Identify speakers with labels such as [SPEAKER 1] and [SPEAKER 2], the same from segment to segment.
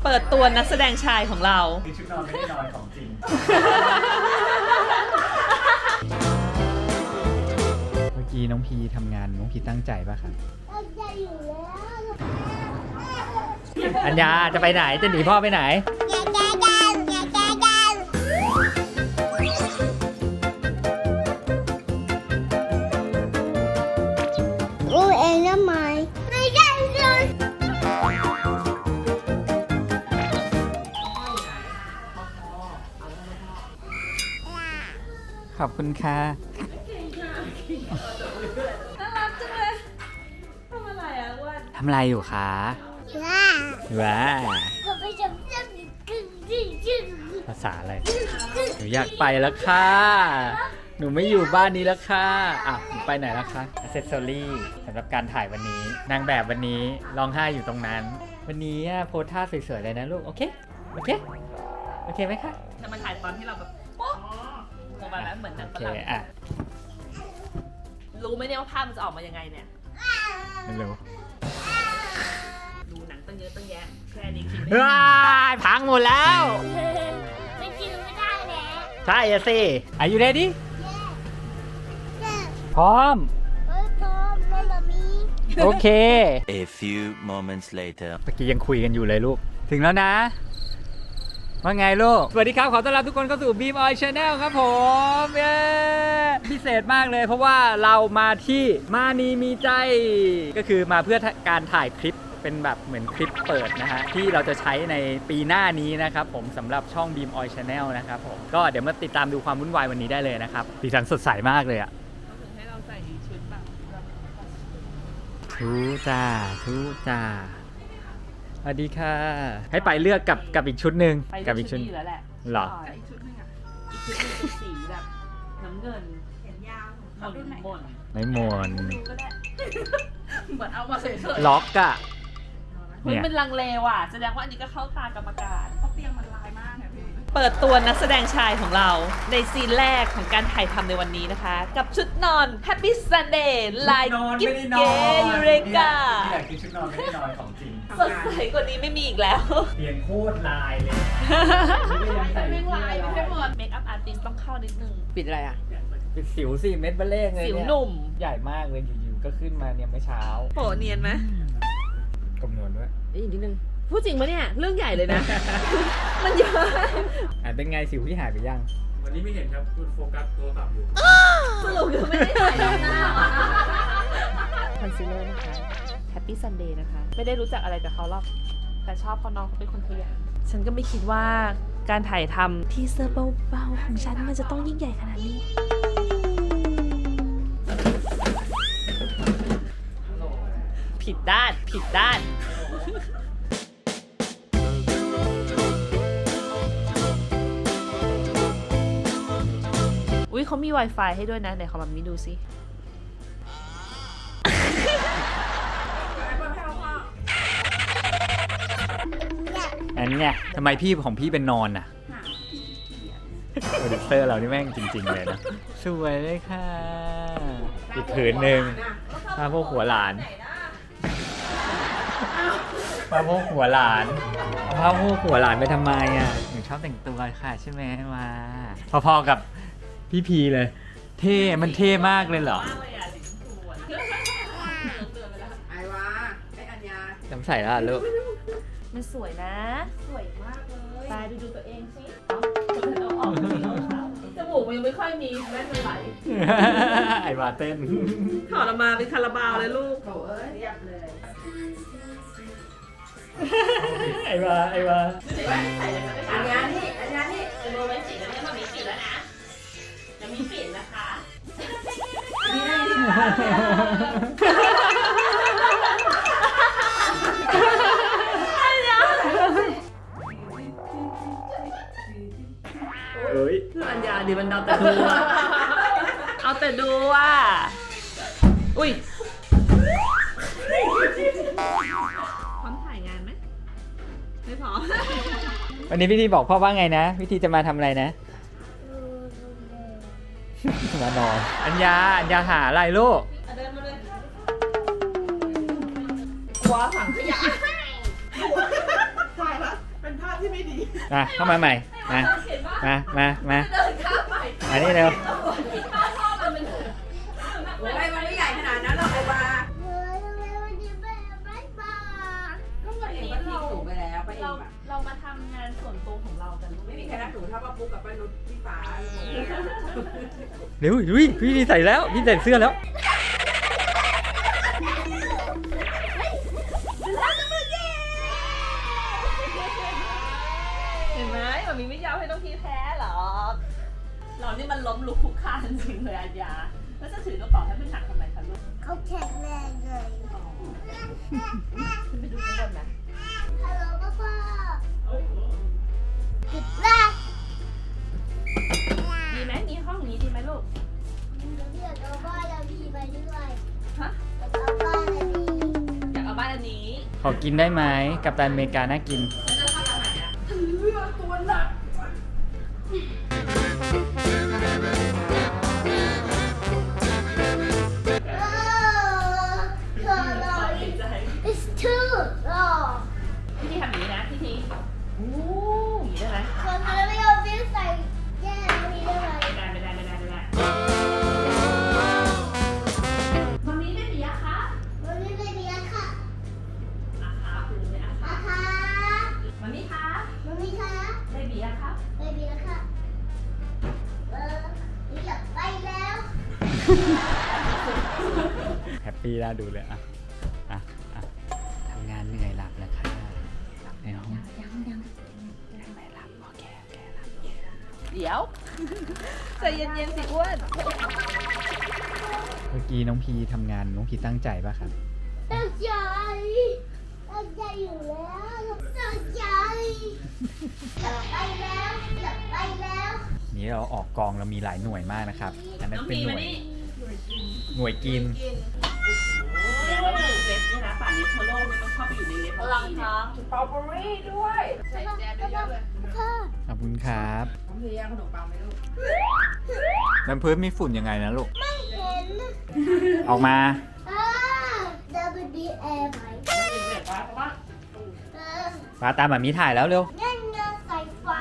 [SPEAKER 1] เปิดตัวนักแสดงชายของเรา
[SPEAKER 2] คือชุดนอนไม่ได้นอนของจริงเมื่อกี้น้องพีทำงานน้องพีตั้งใจป่ะครับตั้งใจอยู่แล้วอัญญาจะไปไหนจะหนีพ่อไปไหนขอบคุณค่ะ
[SPEAKER 1] น่ารักจังเลยทำอะไรอ่ะอ้วน
[SPEAKER 2] ทำอะไรอยู่คะว้าภาษาอะไรหนูอยากไปแล้วค่ะหนูไม่อยู่บ้านนี้แล้วค่ะอ่ะหนูไปไหนแล้วคะอ c เซสซอรี่สำหรับการถ่ายวันนี้นางแบบวันนี้ร้องไห้อยู่ตรงนั้นวันนี้โพสท่าสวยๆเลยนะลูกโอเคโอเคโอเคไหมคะ
[SPEAKER 1] จะมาถ่ายตอนที่เราแบบโป๊ะประมาณนั้นเหมือนหนังฝรั่งรู้ไหมเนี่ยว่าภาพมันจะออกมายังไงเนี่ย
[SPEAKER 2] ไม่รู้
[SPEAKER 1] ดูหนังตั้งเยอะตั้งแยะแค่นี้คิด
[SPEAKER 2] ว้ายพังหมดแล้ว
[SPEAKER 3] ไม่กินไม่ได้แล้ว
[SPEAKER 2] ใช่สิ Are you ready พร้อม
[SPEAKER 3] พร้อมแล้วมามี
[SPEAKER 2] โอเค
[SPEAKER 4] A few moments later
[SPEAKER 2] เมื่อกี้ยังคุยกันอยู่เลยลูกถึงแล้วนะว่าไงลูกสวัสดีครับขอต้อนรับทุกคนเข้าสู่ Beam Oil Channel ครับผมเย้พิเศษมากเลยเพราะว่าเรามาที่มานีมีใจก็คือมาเพื่อการถ่ายคลิปเป็นแบบเหมือนคลิปเปิดนะฮะที่เราจะใช้ในปีหน้านี้นะครับผมสำหรับช่อง Beam Oil Channel นะครับผมก็เดี๋ยวมาติดตามดูความวุ่นวายวันนี้ได้เลยนะครับสีสันสดใสมากเลยอะ
[SPEAKER 1] ให้เราใส่ชุดแบบ
[SPEAKER 2] ทูจ้าทูจ้าสวัสดีค่ะให้ไปเลือกกับอีกชุดหนึ่ง
[SPEAKER 1] กับ
[SPEAKER 2] อีกชุด
[SPEAKER 1] แล้วแหละ
[SPEAKER 2] หรอ
[SPEAKER 1] อีกชุดนึงอ่ะอีกชุดนึงเป็นสีแบบน้ำเงินแขนยาวหม่น
[SPEAKER 2] ไม่หม่น
[SPEAKER 1] เหมือนเอามาเฉย
[SPEAKER 2] ๆล็อกอะ
[SPEAKER 1] มันเป็นลังเลว่ะแสดงว่าอันนี้ก็เข้าตากรรมการเพราะเตียงมันลายมากนะพี่เปิดตัวนักแสดงชายของเราในซีนแรกของการถ่ายทำในวันนี้นะคะกับชุดนอน Happy Sunday ลายกิ๊บเก๋ยูเรกา
[SPEAKER 2] ที่อยากกินชุดนอนไม่ได้นอนของจริง
[SPEAKER 1] สดใสกว่านี้ไม่มีอีกแล้ว
[SPEAKER 2] เปลี่ยนโคตรลายเลย
[SPEAKER 1] ไม่ลายไม่หมดเมคอัพอาร์ติสต้องเข้านิดนึงปิดอะไรอ่ะ
[SPEAKER 2] ปิดสิวสิเม็ดเบลเล่งเลย
[SPEAKER 1] สิวหนุ่ม
[SPEAKER 2] ใหญ่มากเลยอยู่ๆก็ขึ้นมาเนี่ยเมื่อเช้า
[SPEAKER 1] โปะเนียนไหม
[SPEAKER 2] กำนวนด้วย
[SPEAKER 1] อีกนิดนึงพูดจริงปะเนี่ยเรื่องใหญ่เลยนะมันเยอะ
[SPEAKER 2] เป็นไงสิวที่หายไปยัง
[SPEAKER 5] วันนี้ไม่เห็นครับคุณโฟกัสโทรศัพท์อยู่
[SPEAKER 1] สรุปคือไม่ได้ถ่ายหน้าคอนซีลเลอร์นะคะ Happy Sunday นะคะไม่ได้รู้จักอะไรกับเขาหรอกแต่ชอบเขาน้องเขาเป็นคนขยันฉันก็ไม่คิดว่าการถ่ายทำทีเซอร์เบาๆของฉันมันจะต้องยิ่งใหญ่ขนาดนี้ผิดด้านอุ๊ยเขามี Wi-Fi ให้ด้วยนะไหนขอแบบนี้ดูสิ
[SPEAKER 2] อันเนี้ยทำไมพี่ของพี่เป็นนอนอ่ะโปรดิวเซอร์เรานี่แม่งจริงๆเลยนะสวยเลยค่ะอีกผืนหนึ่งผ้าพวกหัวหลานผ้าพวกหัวหลานผ้าพวกหัวหลานไปทำไมอ่ะหนูชอบแต่งตัวค่ะใช่ไหมมาพอๆกับพี่พีเลยเท่มันเท่มากเลยเหรอ
[SPEAKER 1] ไอวาไออัญญา
[SPEAKER 2] จำใส่แล้วลูก
[SPEAKER 1] มันสวยนะสวยมากเลยตายดูตัวเองสิจมูกมันยังไม่ค่อยมีแม่มันไหล
[SPEAKER 2] ไอวาเต้น
[SPEAKER 1] ถอดออกมาเป็นคาราบาวเลยลูกโอ้ยเรียบเลย
[SPEAKER 2] ไอวา
[SPEAKER 1] อัญญานี่จะดูไว้สิแล้วเนี่ยมันมีปิดแล้วนะจะมีปิดนะคะอัญญาดิมันเอาแต่ดูว่ะอุ้ยพร้อมถ่ายงานไหมไม่พร้อม
[SPEAKER 2] วันนี้พี่ทีบอกพ่อว่าไงนะพี่ทีจะมาทำอะไรนะมานอนอัญญาหาอะไรลูก
[SPEAKER 1] เดินมาเลยกลัวถังขยะถ่ายปะไป
[SPEAKER 2] เข้ามาใหม่มาอันนี้เร็ว
[SPEAKER 6] โอ้ยมันไม่ใหญ่ขนาดนั้นหรอกไอ้วา
[SPEAKER 3] เฮ้ยทำไมวันนี้แม่ไม่มา
[SPEAKER 6] ก็วันนี้มันทิ้งหนูไปแล้วป้าเอ็มอะ
[SPEAKER 1] เรามาทำงานส่วนตัวของเรากันลูก
[SPEAKER 6] ไม่มีใครรักหนูเท่าป้าปุ๊กกับป้านุชพี่ฟ้า
[SPEAKER 2] เร็วพี่ใส่แล้วพี่ใส่เสื้อแล้ว
[SPEAKER 1] เห็นไหมมันมีไม่ยอมให้น้องพีแพ้หรอเรานี่มันล้มลุกคลุกคลานจริงเลยอัญญาแล้วจะถือกระเป๋าให้มันหนักทำไมคะลูก
[SPEAKER 3] เขาแข็งแรงเลย
[SPEAKER 1] ขึ้นไปดูข้างบนนะ
[SPEAKER 3] ฮัลโหลพ่อติดละ
[SPEAKER 1] ดีไหมมีห้องนี้ดีไหมลูก
[SPEAKER 3] เดี๋ยวเอาบ้านเราดีไปด้วย
[SPEAKER 1] ฮะ
[SPEAKER 3] เอาบ้านเราดี
[SPEAKER 1] อยากเอาบ้านอันนี้
[SPEAKER 2] ขอกินได้ไหมกัปตันอเมริกาน่ากิน
[SPEAKER 3] เธอรอ it's too long
[SPEAKER 1] พี่ทีทำอย่างนี้นะพี่ทีโอ้ยได้ไหม
[SPEAKER 3] คนทำไม่เอาบิ้วใส่แย่ไม่ได้เลย
[SPEAKER 1] ไม่ได้มันนี้ไม่มีอะคะ
[SPEAKER 3] มันไม่เป็นเนี้ยค่ะ
[SPEAKER 1] อะคะคุณไม่อะคะ
[SPEAKER 3] อาคะ
[SPEAKER 1] มันมีคะ
[SPEAKER 3] มันมีคะ
[SPEAKER 1] ไม่มีอะคะ
[SPEAKER 3] ไม่มีแล้วค่ะอยากไปแล้ว
[SPEAKER 2] แฮปปี้น่าดูเลยอ่ะทำงานเหนื่อยหลับแล้วค่ะหลับในห้องยังไม่หลับโอเคหลับ
[SPEAKER 1] เดี๋ยวใจเย็นๆสิอ้วน
[SPEAKER 2] เมื่อกี้น้องพีทำงานน้องพีตั้งใจป่ะครับ
[SPEAKER 3] ตั้งใจตั้งใจอยู่แล้วตั้งใจอยากไปแล้วอยากไปแล้ว
[SPEAKER 2] นี้เราออกกองเรามีหลายหน่วยมากนะครับ อันนั้น
[SPEAKER 1] น้อง
[SPEAKER 2] เป็น
[SPEAKER 1] พี
[SPEAKER 2] หน่
[SPEAKER 1] มา
[SPEAKER 2] วย
[SPEAKER 1] นี่
[SPEAKER 2] หน่วยกิน
[SPEAKER 1] เนี่ยเราอยู่เล็บนี่นะป่านนี้ทั่วโลกไม่ต้องเข้าไปอยู่ในเล็บของพีเนี่ย
[SPEAKER 6] สตรอเบอรี่ด้วยใส่แจมเยอะๆเลย
[SPEAKER 3] พ่อ
[SPEAKER 2] ขอบคุณครับ
[SPEAKER 6] น้องเฮียขนมปังไหมลูก
[SPEAKER 2] น้ำพื้นมีฝุ่นยังไงนะลูก
[SPEAKER 3] ไม่เห็น
[SPEAKER 2] ออกมา
[SPEAKER 3] ดับเบิลดีแอร์ไหมเออ
[SPEAKER 2] ฟ้าตามแบบมีถ่ายแล้วเร็ว
[SPEAKER 3] งั้นเงินใส่ฟ้า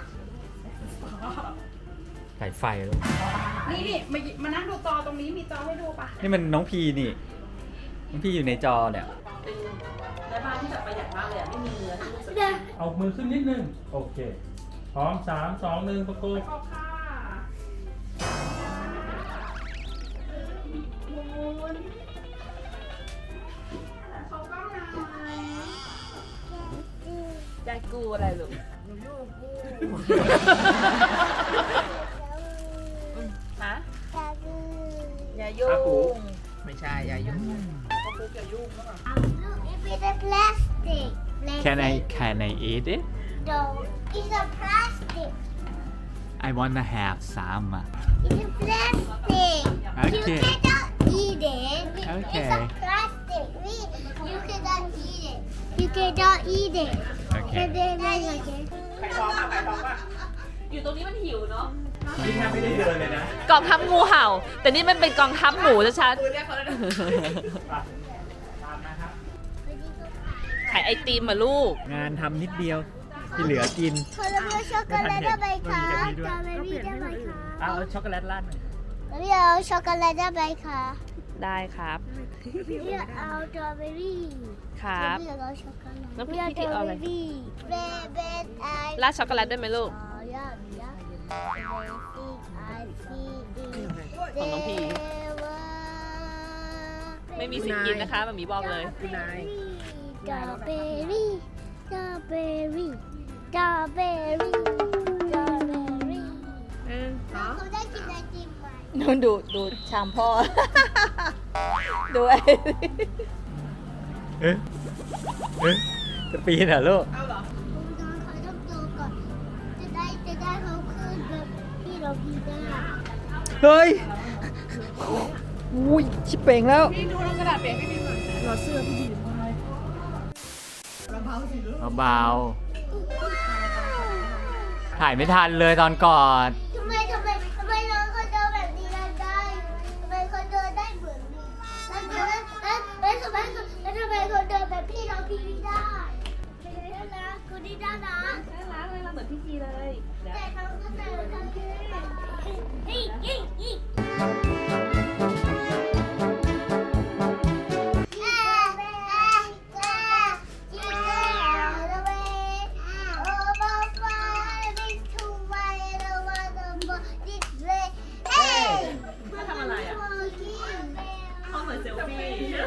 [SPEAKER 2] ถ่ายไฟลูก
[SPEAKER 6] นี่มานั่งดูจอตรงนี้มีจอให้ดูปะ
[SPEAKER 2] นี่มันน้องพีนี่ น้องพีอยู่ในจอเนี่ย
[SPEAKER 1] เป็นแม่บ้านที่แบบประหยัดมากเลยอะไม่มีเนื้อที่ลูกส
[SPEAKER 3] เดี๋ยว
[SPEAKER 5] เอามือขึ้นนิดนึง โอเค พร้อม 3 2 1 ประกบ
[SPEAKER 6] ขอบค่ะเขาก็มา
[SPEAKER 1] ยายกูอะไรลูกฮะ
[SPEAKER 3] จะคือ
[SPEAKER 1] อย่ายุ่ง
[SPEAKER 6] ไม่ใช่อย่ายุ่ง
[SPEAKER 3] Look, if it's a plastic.
[SPEAKER 2] Can I eat it
[SPEAKER 3] No, it's a plastic.
[SPEAKER 2] I wanna have some
[SPEAKER 3] It's a plastic.
[SPEAKER 2] Okay.
[SPEAKER 3] You cannot eat it.
[SPEAKER 2] Okay.
[SPEAKER 3] It's a plastic. You cannot eat it. You cannot eat it.
[SPEAKER 2] Okay.
[SPEAKER 3] And then again.
[SPEAKER 6] ไข่ทองอะไข่ทองอะ
[SPEAKER 1] อยู่ตรงนี้มันหิวเนาะ
[SPEAKER 2] พี่แทบไม่ได้เดินเลยนะ
[SPEAKER 1] กองทัพงูเห่า แต่นี่มันเป็นกองทัพหมูชัด
[SPEAKER 6] คือเรียกเขาเลยนะ
[SPEAKER 1] ๆขายไอติมมาลูก
[SPEAKER 2] งานทำนิดเดียว ที่เหลือกิน
[SPEAKER 3] คนละเรื่องช็อกโกแลตได้ไหมคะสตรอเบอรี่ได้ไหมคะ
[SPEAKER 2] เอาช็อกโกแลตราดหน่อย
[SPEAKER 3] แล้วพี่เอาช็อกโกแลตได้ไหมคะ
[SPEAKER 1] ได้ครับ
[SPEAKER 3] พี่เอาสตรอเบอรี่
[SPEAKER 1] ครับ
[SPEAKER 3] พี่เอาช็อกโกแลต
[SPEAKER 1] แล้วพี่ที่เอาอะไร
[SPEAKER 3] เบเบนไอ
[SPEAKER 1] ราดช็อกโกแลตได้ไหมลูก ของน้องพี่ ไม่มีสิทธิ์กินนะคะมันมีบอกเลย
[SPEAKER 6] คุณนาย
[SPEAKER 3] สตรอเบอรี่สตรอเบอรี่สตรอเบอรี่สตรอเบอรี่เขาได้กินไอติมไหม
[SPEAKER 1] นู่นดูชามพ่อ ดูไอ้
[SPEAKER 2] เอ๊ะจะปีนเหรอลูก
[SPEAKER 6] เอาเหรอ
[SPEAKER 3] คุณน้องเขาต้องโตก่อนจะได้เขาขึ้นแบบที่เราพีได้
[SPEAKER 2] เฮ้ย อุ้ยชิบเป่งแล้ว
[SPEAKER 6] พี่ดูลงกระดาษเปียกพี่บีมหน่อยรอเสื้อพี่บีมเบาๆสิลูก
[SPEAKER 2] เบาๆถ่ายไม่ทันเลยตอนก่อน
[SPEAKER 3] ทำไมน้องเขาเดินแบบนี้ได้ทำไมเขาเดินได้เหมือนนี้แล้วทำไมเขาเดินแบบพี่เราพีไม่ได้น่ารักคนนี้น่ารัก
[SPEAKER 1] เหมือนพี่ทีเลยเดี๋ยว
[SPEAKER 3] แต่เขาก็แต่เขาอีอี
[SPEAKER 1] เขาทำอะไรอ่ะเขาเหมือนเซลฟี่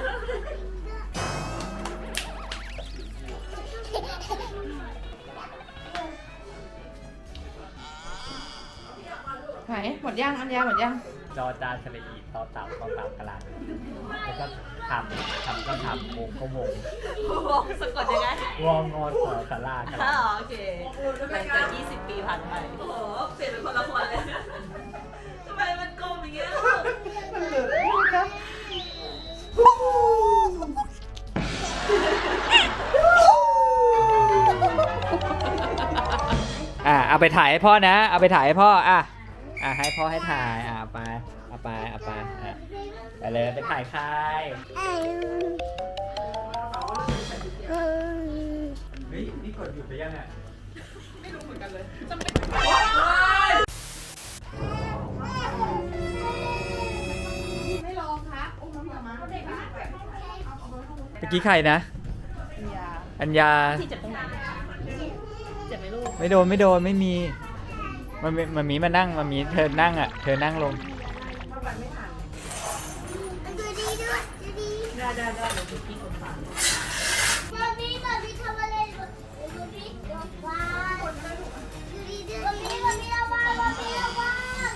[SPEAKER 6] ไหนหมดย่างอันยาหมดย่าง
[SPEAKER 2] จอจานสระอีต่อเต่ากระลาแล้วก็ทำก็ทำวงก็วง
[SPEAKER 1] สะกดยังไง
[SPEAKER 2] วองงอนขอสลากระลา
[SPEAKER 1] โอเคหลังจาก20 ปีผ่านไปโอ้โหเปลี่ยนเป็นคนละคนเลยทำไมมันกลมอย่างเงี้ยลูก
[SPEAKER 2] เอาไปถ่ายให้พ่อนะ เอาไปถ่ายให้พ่อให้พ่อให้ถ่ายเอาไปไปเลยไปถ่ายใครเฮ้ยนี่กดหยุดไปยังอ่ะ
[SPEAKER 6] ไม่ลองครับอุ้มน้ำมา
[SPEAKER 2] เมื่อกี้ใครนะ อัญญา
[SPEAKER 1] ที่เจ็บตรงไหนเจ็บไหมลูก
[SPEAKER 2] ไม่โดนไม่มีมันมีมานั่งมันมีเธอนั่งอ่ะเธอนั่งลง
[SPEAKER 3] ดูดีด้วยดูดี
[SPEAKER 1] ได้เดี๋ยวดูพี่คนฟัง
[SPEAKER 3] บอบบี้ทำอะไรบอบบี้ว้าวดูดีด้วยบอบบี้ระวังบอบบี้ระวัง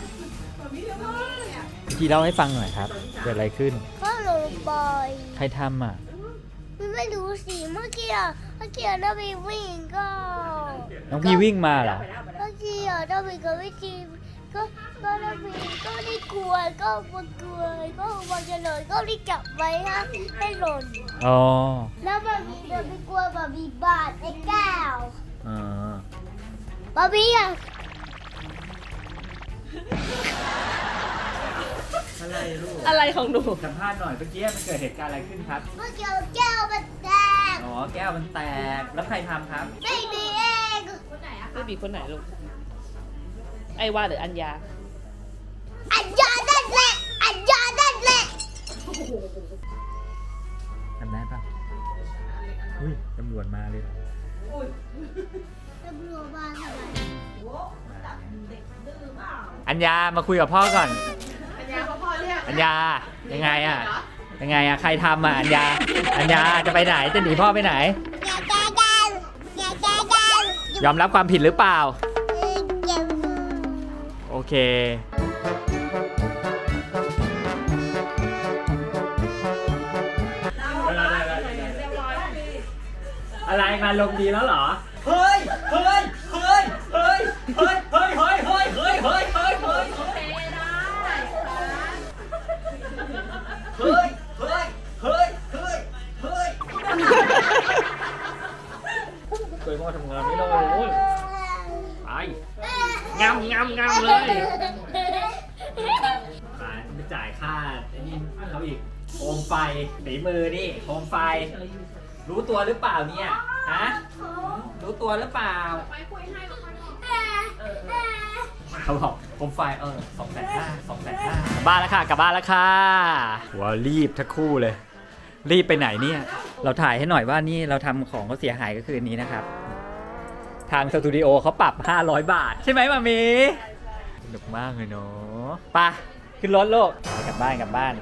[SPEAKER 2] พี่เล่าให้ฟังหน่อยครับเกิดอะไรขึ้น
[SPEAKER 3] ก็ลงบอย
[SPEAKER 2] ใครทำอ่ะ
[SPEAKER 3] ไม่รู้สิเมื่อกี้เราไปวิ่งก็
[SPEAKER 2] น้องพี่วิ่งมาเหรอ
[SPEAKER 3] เมื่อกี้เราไปกับวิจีก็เราไปก็ได้กลัวก็กลัวก็มันจะหล่นก็รีบจับไว้ให้หล่น
[SPEAKER 2] อ๋อ
[SPEAKER 3] แล้วมันจะไปกลัวบาร์บี้บาดไอ้แก้ว
[SPEAKER 2] อ๋อบ
[SPEAKER 3] าร์บี้อ่ะ
[SPEAKER 2] อะไรลูก
[SPEAKER 1] อะไรของหนู
[SPEAKER 2] สัมภาษณ์หน่อยเมื่อกี้มันเกิดเหตุการณ์อะไรขึ้นครับ
[SPEAKER 3] เมื่อกี้แก้วมันแตก
[SPEAKER 2] อ๋อแก้วมันแตกแล้วใครทำครับ
[SPEAKER 3] ไม่ดีเอง
[SPEAKER 1] เบบีคนไหนลูก ไอวาหรืออัญญา
[SPEAKER 3] อันยานั่นแหละอันยานั่นแหละ
[SPEAKER 2] ทำได้ปะอุ้ยตำรวจมาเลย
[SPEAKER 3] ตำรวจมาทำไม
[SPEAKER 2] อัญญามาคุยกับพ่อก่อน
[SPEAKER 6] อันยาเขาพอเรียก
[SPEAKER 2] อัญญายังไงอ่ะใครทำอ่ะอัญญาจะไปไหนจะหนีพ่อไปไหน
[SPEAKER 3] อย่าแก้กันอย่าแก้กัน
[SPEAKER 2] ยอมรับความผิดหรือเปล่า
[SPEAKER 3] เก็บ
[SPEAKER 2] โอเค อะไรมาลงดีแล้วเหรอ เฮ้ย เฮ้ย เฮ้ย เฮ้ย เฮ้ย เฮ้ย เฮ้ย เฮ้ย เฮ้ย เฮ้ย เฮ้ย เฮ้ย เฮ้ย เฮ้ย เฮ้ย เฮ้ย เฮ้ยเคยพ่อทำงานไม่ได้เลยไปงำเลยไปจ่ายค่าไอ้นี่เขาอีกโคมไฟฝีมือนี่โคมไฟ รู้ตัวหรือเปล่าเนี่ย ฮะ รู้ตัวหรือเปล่า เขาบอกโคมไฟ250,000 กลับบ้านแล้วค่ะว้าวรีบทั้งคู่เลย รีบไปไหนเนี่ย เราถ่ายให้หน่อยว่านี่เราทำของเขาเสียหายก็คืออันนี้นะครับ ทางสตูดิโอเขาปรับ500 บาท ใช่ไหมมามีสนุกมากเลยเนาะไปขึ้นรถโลกกลับบ้าน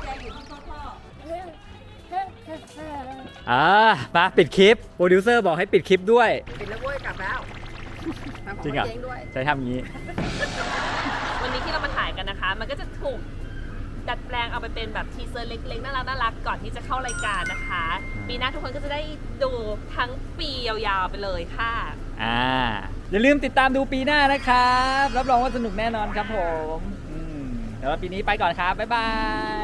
[SPEAKER 2] มาปิดคลิปโปรดิวเซอร์บอกให้ปิดคลิปด้วย
[SPEAKER 6] ปิดแล้วเว้ยกลับแล้ว
[SPEAKER 2] จริงเหรอใช้ทำอย่างนี้
[SPEAKER 1] วันนี้ที่เรามาถ่ายกันนะคะ มันก็จะถูกดัดแปลงเอาไปเป็นแบบทีเซอร์เล็กๆน่ารักก่อนที่จะเข้ารายการนะคะ ปีหน้าทุกคนก็จะได้ดูทั้งปียาวๆไปเลยค่ะ
[SPEAKER 2] อย่าลืมติดตามดูปีหน้านะครับ รับรองว่าสนุกแน่นอนครับผมเดี๋ยวปีนี้ไปก่อนครับ บ๊ายบาย